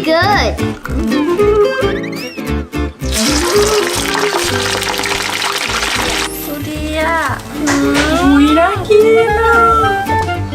good. ดูดีอ่ะอุ้ยน่ากินอ่ะ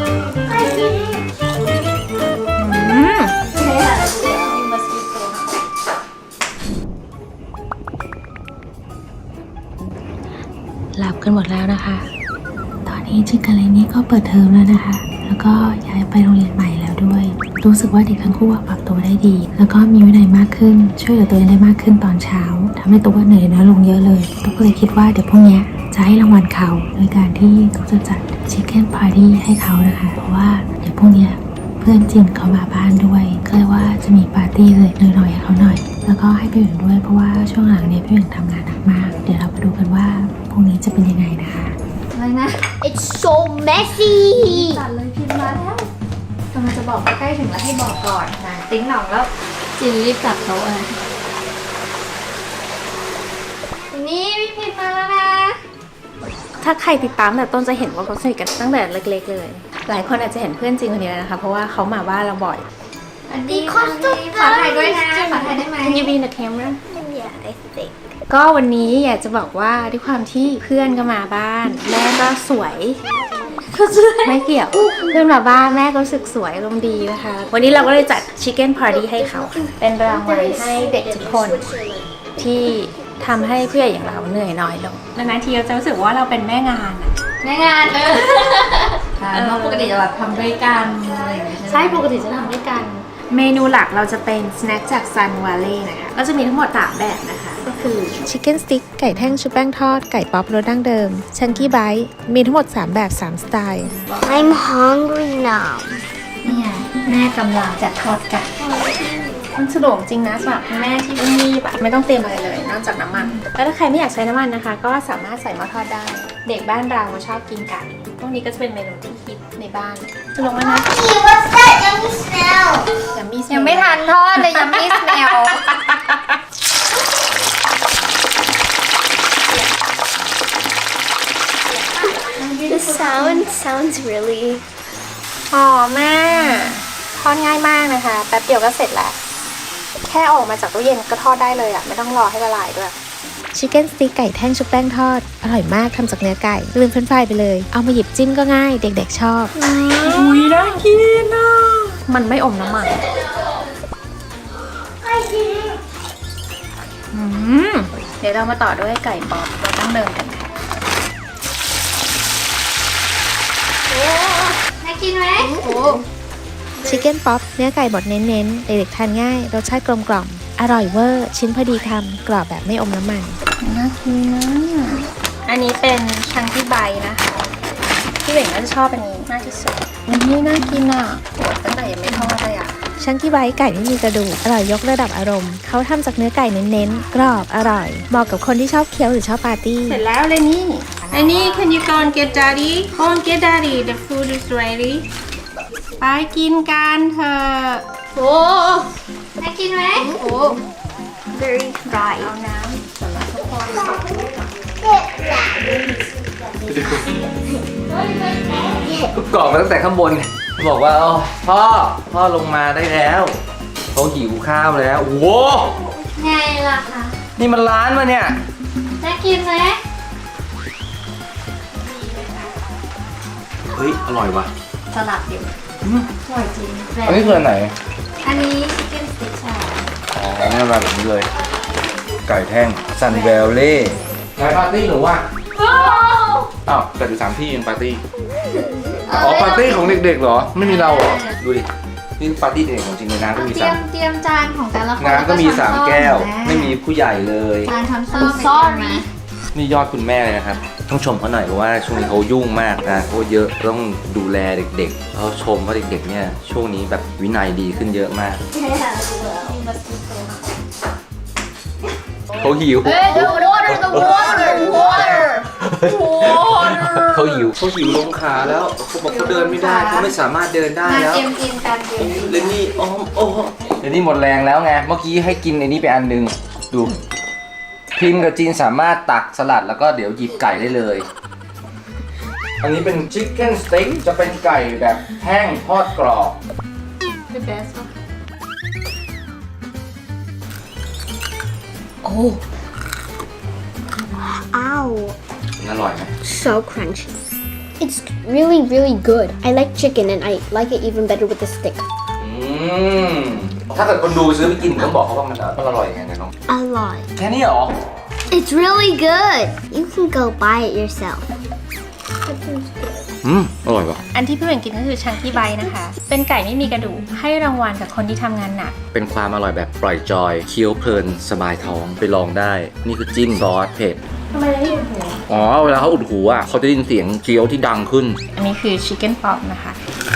หลับกันหมดแล้วนะคะ ตอนนี้ชิคกับเลนี่ก็เปิดเทอมแล้วนะคะ แล้วก็ย้ายไปโรงเรียนใหม่แล้วด้วย รู้สึกว่าเด็กทั้งคู่ปรับตัวได้ดี แล้วก็มีวินัยมากขึ้น ช่วยเหลือตัวเองได้มากขึ้นตอนเช้าทำให้ตัวเหนื่อยน้อยลงเยอะเลยตัวก็เลยคิดว่าเดี๋ยวพรุ่งนี้จะให้รางวัลเขาโดยการที่เขาจะจัดชิคเก้นพาร์ตี้ให้เขานะคะ เพราะว่าเดี๋ยวพรุ่งนี้เพื่อนจินเขามาบ้านด้วยก็เลยว่าจะมีปาร์ตี้เลยหน่อยๆให้เขาหน่อย แล้วก็ให้พี่หญิงด้วยเพราะว่าช่วงหลังเนี่ยพี่หญิงทำงานหนักมาก เดี๋ยวเราไปดูกันว่าพรุ่งนี้จะเป็นยังไงนะคะอะไรนะ It's so messy. ตัดเลยพิมพ์มาแล้วกำลังจะบอกใกล้ๆถึงแล้วให้บอกก่อนนะติ๊งหน่องแล้วจินรีบจับโต๊ะเลยนี่พี่พิมพ์มาแล้วนะถ้าใครติดตามแต่ต้นจะเห็นว่าเขาสนิทกันตั้งแต่เล็กๆเลย หลายคนอาจจะเห็นเพื่อนจริงคนนี้แล้วนะคะ เพราะว่าเขามาบ้านเราบ่อยอันนี้ขอถ่ายด้วยนะขอถ่ายได้ไหม Can you be in the camera Yeah, I think. ก็วันนี้อยากจะบอกว่าด้วยความที่เพื่อนก็มาบ้าน แม่ก็สวยไม่เกี่ยวเพื่อนมาบ้านแม่ก็รู้สึกสวยอารมณ์ดีนะคะ วันนี้เราก็เลยจัด Chicken Party ให้เขาค่ะเป็นรางวัลให้เด็กทุกคนที่ทำให้ผู้ใหญ่อย่างเราเหนื่อยน้อยลงนานๆทีเราจะรู้สึกว่าเราเป็นแม่งานอะแม่งานเลยเพราะปกติจะแบบทำด้วยกันอะไรอย่างเงี้ยใช่ปกติจะทำด้วยกัน เมนูหลักเราจะเป็นสแน็คจาก Sun Valley นะคะก็จะมีทั้งหมด3แบบนะคะก็คือ Chicken Stick ไก่แท่งชุบแป้งทอดไก่ป๊อปรสดั้งเดิม Chunky Bite มีทั้งหมด3แบบ3สไตล์ I'm hungry now. นี่ไงแม่กำลังจะทอดไก่มันสะดวกจริงนะสำหรับคุณแม่ที่รีบไม่ต้องเตรียมอะไรเลยนอกจากน้ำมัน แล้วถ้าใครไม่อยากใช้น้ำมันนะคะ ก็สามารถใส่หม้อทอดได้ เด็กบ้านเราชอบกินไก่พวกนี้ก็จะเป็นเมนูที่ฮิตในบ้านจะลงแล้วนะ Hey, what's that yummy smell? ยังไม่ทันทอดเลยยังไม่สแมล The sound sounds really. อ๋อแม่ทอดง่ายมากนะคะแป๊บเดียวก็เสร็จแล้ว แค่ออกมาจากตู้เย็นก็ทอดได้เลยอ่ะไม่ต้องรอให้ละลายด้วยชิคเก้นสติ๊กไก่แท่งชุบแป้งทอดอร่อยมากทำจากเนื้อไก่ลืมเฟรนช์ฟรายไปเลยเอามาหยิบจิ้มก็ง่ายเด็กๆชอบอุ้ยน่ากินอ่ะมันไม่อมน้ำมันเดี๋ยวเรามาต่อด้วยไก่ป๊อปรสดั้งเดิมกันค่ะน่ากินไหมโอ้ชิคเก้นป๊อปเนื้อไก่บดเน้นๆเด็กๆทานง่ายรสชาติกลมกล่อมอร่อยเวอร์ชิ้นพอดีคำกรอบแบบไม่อมน้ำมันน่ากินนะอันนี้เป็นชังที่ใบนะคะพี่เบ่งก็จะชอบอันนี้มากที่สุดอันนี้น่ากินอ่ะโหตั้งแต่ยังไม่ทอดเลยอ่ะชังที่ใบไก่ไม่มีกระดูกอร่อยยกระดับอารมณ์เขาทำจากเนื้อไก่เน้นๆกรอบอร่อยเหมาะกับคนที่ชอบเคี้ยวหรือชอบปาร์ตี้เสร็จแล้วเลยนี่อันนี้ can you go and get daddy go and get daddy the food is ready ไปกินกันเถอะโหน่ากินไหมโอ้ Very dry. เอาน้ำสำหรับทุกคนก็กรอกมาตั้งแต่ข้างบนบอกว่าอ๋อพ่อลงมาได้แล้วเขาหิวข้าวแล้วโอ้โหไงล่ะคะนี่มันร้านมาเนี่ยน่ากินไหมเฮ้ยอร่อยว่ะสลัดอยู่อร่อยจริงอันนี้คืออันไหนอันนี้ชิคเก้นสติ๊กชาอ๋อนี่มาแบบนี้เลย ไก่แท่งซันเวลเล่ไหนปาร์ตี้หนูว่ะอ้าวแต่อยู่3ที่ยังปาร์ตี้อ๋อปาร์ตี้ของเด็กๆเหรอไม่มีเราเหรอดูดินี่ปาร์ตี้เด็กของจริงเลยนะก็มีเตรียมจานของแต่ละคนน้ำก็มีล้วช้อน 3 แก้วส้มไม่มีผู้ใหญ่เลยจานช้อนส้ม sorry นี่ยอดคุณแม่เลยนะครับ ต้องชมเขาหน่อยเพราะว่าช่วงนี้เขายุ่งมากนะเขาเยอะต้องดูแลเด็กๆเขาชมว่าเด็กๆเนี่ยช่วงนี้แบบวินัยดีขึ้นเยอะมากเขาหิว the water เขาหิวลงขาแล้วเขาบอกเขาเดินไม่ได้เขาไม่สามารถเดินได้มาแล้วเตรียมกินกันเตรียมกินเลนนี่โอ้เลนนี่หมดแรงแล้วไงเมื่อกี้ให้กินไอ้นี่ไปอันนึงดูพิมพ์กับจีนสามารถตักสลัดแล้วก็เดี๋ยวหยิบไก่ได้เลย อันนี้เป็นชิคเก้นสเต็กจะเป็นไก่แบบแห้งทอดกรอบ the best Ow. อร่อยไหม So crunchy. It's really, really good. I like chicken and I like it even better with the stick. ถ้าเกิดคนดูซื้อไปกินต้องบอกเขาว่ามันอร่อยยังไงน้อง A lot. แค่นี้เหรอ It's really good. You can go buy it yourself. อร่อยป่ะอันที่พี่เหม่งกินก็คือชังกี้ไบต์นะคะ เป็นไก่ไม่มีกระดูกให้รางวัลกับคนที่ทำงานหนักเป็นความอร่อยแบบปล่อยจอยเคี้ยวเพลินสบายท้องไปลองได้ นี่คือจิ้มซอสเผ็ดทำไมได้ยินหูอ๋อเวลาเขาอุดหูอ่ะเขาจะได้ยินเสียงเคี้ยวที่ดังขึ้นอันนี้คือชิคเก้นป๊อปนะคะ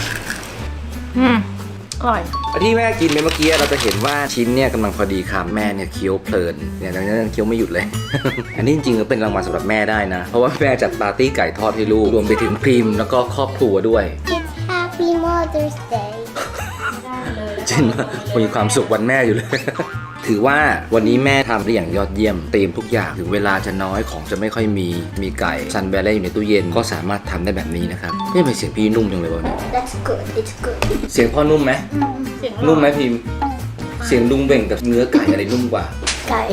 อร่อยที่แม่กินไปเมื่อกี้เราจะเห็นว่าชิ้นเนี่ยกำลังพอดีคำแม่เนี่ยเคี้ยวเพลินเนี่ยดังนั้นเคี้ยวไม่หยุดเลย อันนี้จริงๆก็เป็นรางวัลสำหรับแม่ได้นะ เพราะว่าแม่จัดปาร์ตี้ไก่ทอดให้ลูกรวมไปถึงพรีมแล้วก็ครอบครัวด้วย It's Happy Mother's Day. จริงว่ามีความสุขวันแม่อยู่เลย ถือว่าวันนี้แม่ทำได้อย่างยอดเยี่ยมเตรียมทุกอย่างถึงเวลาจะน้อยของจะไม่ค่อยมีไก่ซันแบลเล่อยู่ในตู้เย็นก็สามารถทำได้แบบนี้นะครับนี่เป็นเสียงพี่นุ่มจังเลยวะเนี่ย That's good. It's good. เสียงพ่อนุ่มไหมเสียงนุ่มไหมพิมพ์เสียงลุงเบ่งกับเนื้อไก่อะไรนุ่มกว่า Guy.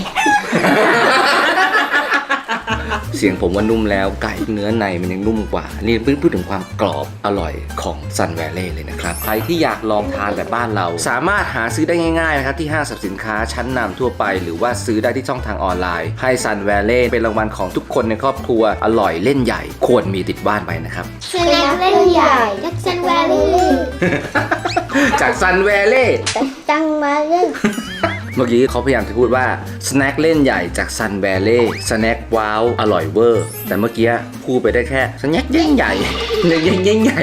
เสียงผมว่านุ่มแล้วไก่เนื้อในมันยังนุ่มกว่า นี่พูดถึงความกรอบอร่อยของซันแวลเล่เลยนะครับ ใครที่อยากลองทานแบบบ้านเรา สามารถหาซื้อได้ง่ายๆนะครับที่ห้างสรรพสินค้าชั้นนำทั่วไป หรือว่าซื้อได้ที่ช่องทางออนไลน์ให้ซันแวลเล่เป็นรางวัลของทุกคนในครอบครัวอร่อยเล่นใหญ่ควรมีติดบ้านไปนะครับ Snack Valley. Jackson Valley. จากซันแวลเล่ Jackson Valley. เมื่อกี้เขาพยายามจะพูดว่าสแน็คเล่นใหญ่จากซันแวลเล่สแน็คว้าวอร่อยเวอร์แต่เมื่อกี้พูดไปได้แค่สแน็คเย่งใหญ่เย่งใหญ่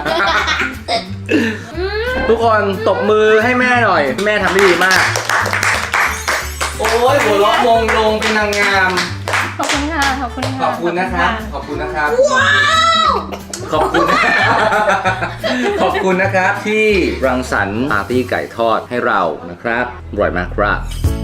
ทุกคนตบมือให้แม่หน่อยแม่ทำได้ดีมาก โอ้ยหัวเราะมงลงเป็นนางงามขอบคุณค่ะ ขอบคุณค่ะขอบคุณนะครับ ขอบคุณนะครับ ขอบคุณ ขอบคุณนะครับที่รังสรรค์ปาร์ตี้ไก่ทอดให้เรานะครับอร่อยมากครับ